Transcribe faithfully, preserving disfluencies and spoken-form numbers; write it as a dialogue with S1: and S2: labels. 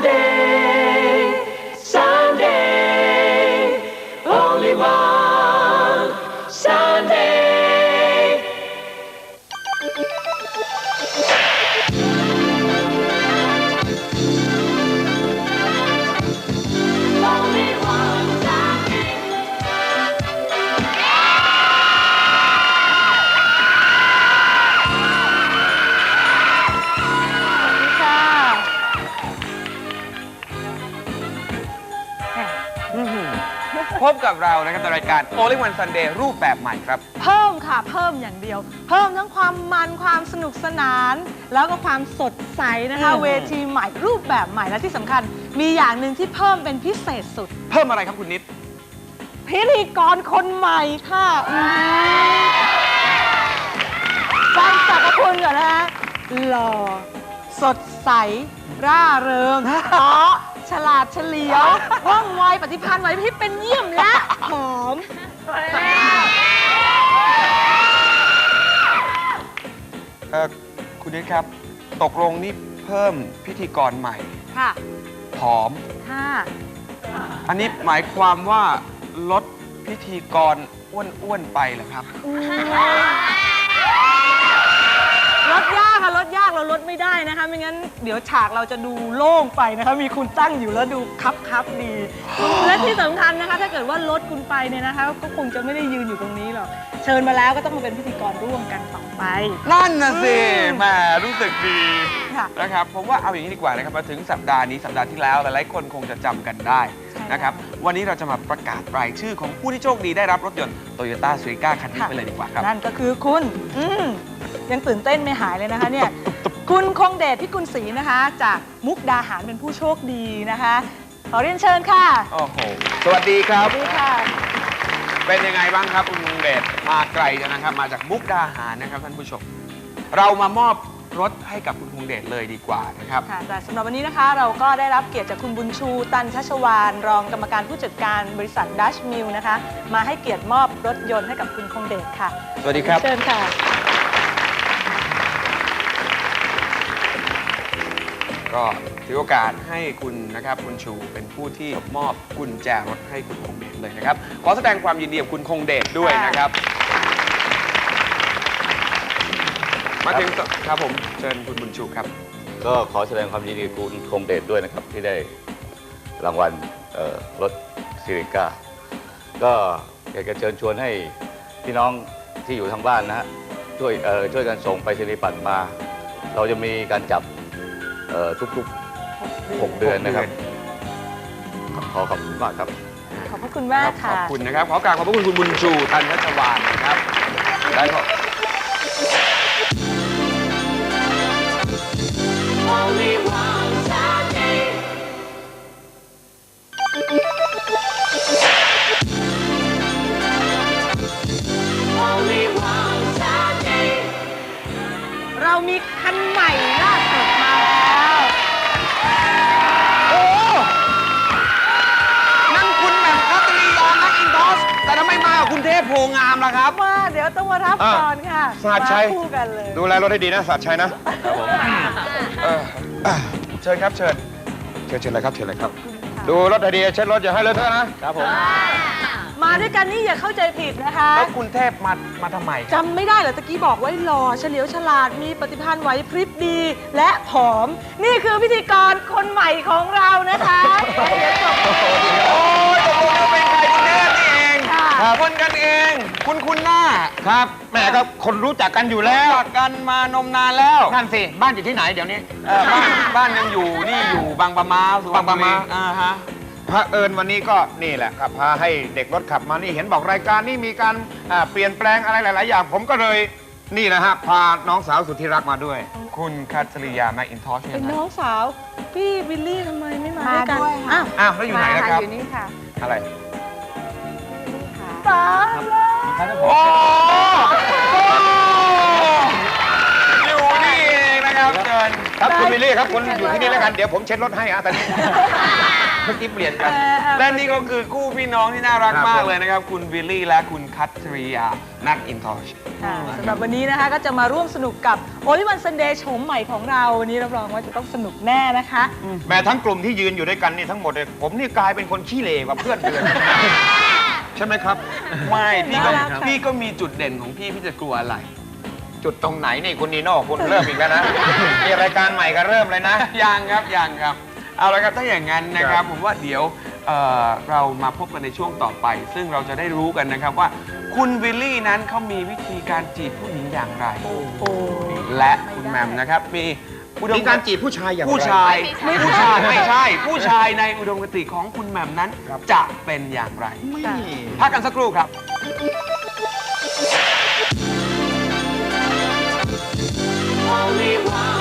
S1: Sunday Sunday only one Sunday only one Sunday
S2: พบกับเรานะครับในรายการ Only One Sunday รูปแบบใหม่ครับ
S3: เพิ่มค่ะเพิ่มอย่างเดียว เพิ่มทั้งความมันความสนุกสนาน แล้วก็ความสดใสนะคะเวทีใหม่รูปแบบใหม่และที่สำคัญมีอย่างหนึ่งที่เพิ่มเป็นพิเศษสุด
S2: เพิ่มอะไรครับคุณนิด
S3: พิธีกรคนใหม่ค่ะฟังจากคุณก่อนนะฮะหล่อสดใสร่าเริงเพราะฉลาดเฉลียวว่องไวปฏิภาณไหวพริบเป็นเยี่ยมและหอม
S2: เออคุณนิดครับตกลงนี่เพิ่มพิธีกรใหม่
S3: ค่ะ
S2: ผอม
S3: ค่ะ
S2: อันนี้หมายความว่าลดพิธีกรอ้วนๆไปเหรอครับ
S3: ลดยากค่ะลดยากเราลดไม่ได้นะคะไม่งั้นเดี๋ยวฉากเราจะดูโล่งไปนะคะมีคุณตั้งอยู่แล้วดูคับคับดีและที่สำคัญนะคะถ้าเกิดว่าลดคุณไปเนี่ยนะคะก็คงจะไม่ได้ยืนอยู่ตรงนี้หรอกเชิญมาแล้วก็ต้องมาเป็นพิธีกรร่วมกันต่อไป
S2: นั่นน่ะสิแหมรู้สึกดีนะครับผมว่าเอาอย่างนี้ดีกว่านะครับมาถึงสัปดาห์นี้สัปดาห์ที่แล้วหลายๆคนคงจะจำกันได้นะครับวันนี้เราจะมาประกาศรายชื่อของผู้ที่โชคดีได้รับรถยนต์ Toyota Suica คันนี้ไปเลยดีกว่าครับ
S3: นั่นก็คือคุณยังตื่นเต้นไม่หายเลยนะคะเนี่ยคุณคงเดชพิกุลศรีนะคะจากมุกดาหารเป็นผู้โชคดีนะคะขอเรียนเชิญค่ะ
S2: โอ้โหสวัสดีครับ
S3: สวัสดีค่ะ
S2: เป็นยังไงบ้างครับคุณคงเดชมาไกลนะครับมาจากมุกดาหารนะครับท่านผู้ชมเรามามอบรถให้กับคุณคงเดชเลยดีกว่านะครับ
S3: ค่ะแต่สำหรับวันนี้นะคะเราก็ได้รับเกียรติจากคุณบุญชูตันชัชวานรองกรรมการผู้จัดการบริษัทดัชมิลนะคะมาให้เกียรติมอบรถยนต์ให้กับคุณคงเดชค่ะ
S2: สวัสดีครับ
S3: เชิญค่ะ
S2: ก็ถือโอกาสให้คุณนะครับคุณชูเป็นผู้ที่มอบกุญแจรถให้คุณคงเดชเลยนะครับขอแสดงความยินดีกับคุณคงเดชด้วยนะครับมาถึงครับผมเชิญคุณบุญชูครับ
S4: ก็ขอแสดงความยินดีกับคุณคงเดชด้วยนะครับที่ได้รางวัลรถซิริก้าก็อยากจะเชิญชวนให้พี่น้องที่อยู่ทางบ้านนะฮะช่วยช่วยกันส่งไปรษณียบัตรมาเราจะมีการจับทุกๆหกเดือนนะครับขอขอบคุณมากครับ
S3: ขอบพระคุณมากค่ะ
S2: ขอบคุณนะครับขอกราบขอบพระคุณคุณบุญชูตันชัชวานนะครับได้ครับ
S1: Only one Sunday Only one Sunday
S3: เรามีคันใหม่ล่าสุดมาแล้ว
S2: โอ้นั่นคุณแหม่มคัตริยานักอินทอสแต่ทำไมมากับคุณเทพโพงามล่ะครับ
S3: มาเดี๋ยวต้องมารับก่อนค่ะ
S2: สหัสชัย
S3: คู่กันเลย
S2: ดูแลรถให้ดีนะสหัสชัยนะครับผมเชิญครับเชิญเชิญเชิญเลยครับเชิญเลยครับดูรถให้ดีเช็ดรถอย่าให้เลอะเทอะนะครับผม
S3: มาด้วยกันนี่อย่าเข้าใจผิดนะคะ
S2: แล้วคุณเทพมามาทำไม
S3: จำไม่ได้เหรอตะกี้บอกไว้หล่อเฉลียวฉลาดมีปฏิภาณไหวพริบดีและผอมนี่คือพิธีกรคนใหม่ของเรานะคะ
S2: โอ้ยตกลงจะเป็นใครคุณเทพนี่เองคนกันเองคุณคุณหน้า
S5: ครับแม่ก็คนรู้จักกันอยู่แล้ว
S2: รู้จักกันมานมนานแล้ว
S5: นั่นสิบ้านอยู่ที่ไหนเดี๋ยวนี้
S2: บ้านบ้านยังอยู่นี่อยู่บางปะมา
S5: บางปะมา
S2: อ่าฮะ
S5: พระเอิญวันนี้ก็นี่แหละครับพาให้เด็กรถขับมานี่เห็นบอกรายการนี้มีการเปลี่ยนแปลงอะไรหลายๆอย่างผมก็เลยนี่นะฮะพาน้องสาวสุดที่รักมาด้วย
S2: คุณคัตริยาแมคอินทอช
S3: เป็นน้องสาวพี่วิลลี่ทำไมไม่มาด้วย
S2: อ้าวอ้าวแล้วอยู่ไหนนะครับ
S3: อยู่นี่ค่ะ
S2: อะไร
S3: ตาย
S2: แล้วโอ้อยู่นี่เองนะครับเชิญ
S5: ครับคุณวิลลี่ครับคุณอยู่ที่นี่แล้วกันเดี๋ยวผมเช็ดรถให้อะตอนนี้เมื่อกี้เปลี่ยนกัน
S2: และนี่ก็คือคู่พี่น้องที่น่ารัก
S5: ครับ
S2: มาก
S5: ผม
S2: เลยนะครับ คุณวิลลี่และคุณคัตริยาแม็กอินทอช
S3: ค่ะสำหรับวันนี้นะคะก็จะมาร่วมสนุกกับโอลิวันซันเดย์โฉมใหม่ของเราวันนี้รับรองว่าจะต้องสนุกแน่นะคะ
S5: แม้ทั้งกลุ่มที่ยืนอยู่ด้วยกันนี่ทั้งหมดเลยผมนี่กลายเป็นคนขี้เหร่กว่าเพื่อนเลยใช่ไหมครับ
S2: ไม่พี่ก็
S3: น่ารักค่ะ
S2: พี่ก็มีจุดเด่นของพี่พี่จะกลัวอะไร
S5: จุดตรงไหนนี่คุณนีโน่คุณเริ่มอีกแล้วนะมีรายการใหม่ก็เริ่มเลยนะ
S2: ยังครับยังครับ เอาละครับถ้าอย่างนั้นนะค
S5: ครั
S2: รับบ ผมว่าเดี๋ยวเอ่อเรามาพบกันในช่วงต่อไป ซึ่งเราจะได้รู้กันนะครับว่าคุณวิลลี่นั้นเขามีวิธีการจีบผู้หญิงอย่างไร
S3: โอ้โห
S2: และคุณแหมมนะครับมีอุดม
S5: มีการจีบผู้ชายอย่างไร
S2: ผู้ชายผู้ชายไม่ใช่ ผู้ชายในอุดมคติของคุณแหมมนั้น
S5: ครับ
S2: จะเป็นอย่างไร
S5: ไม่
S2: พักกันสักครู่ครับ
S1: Only one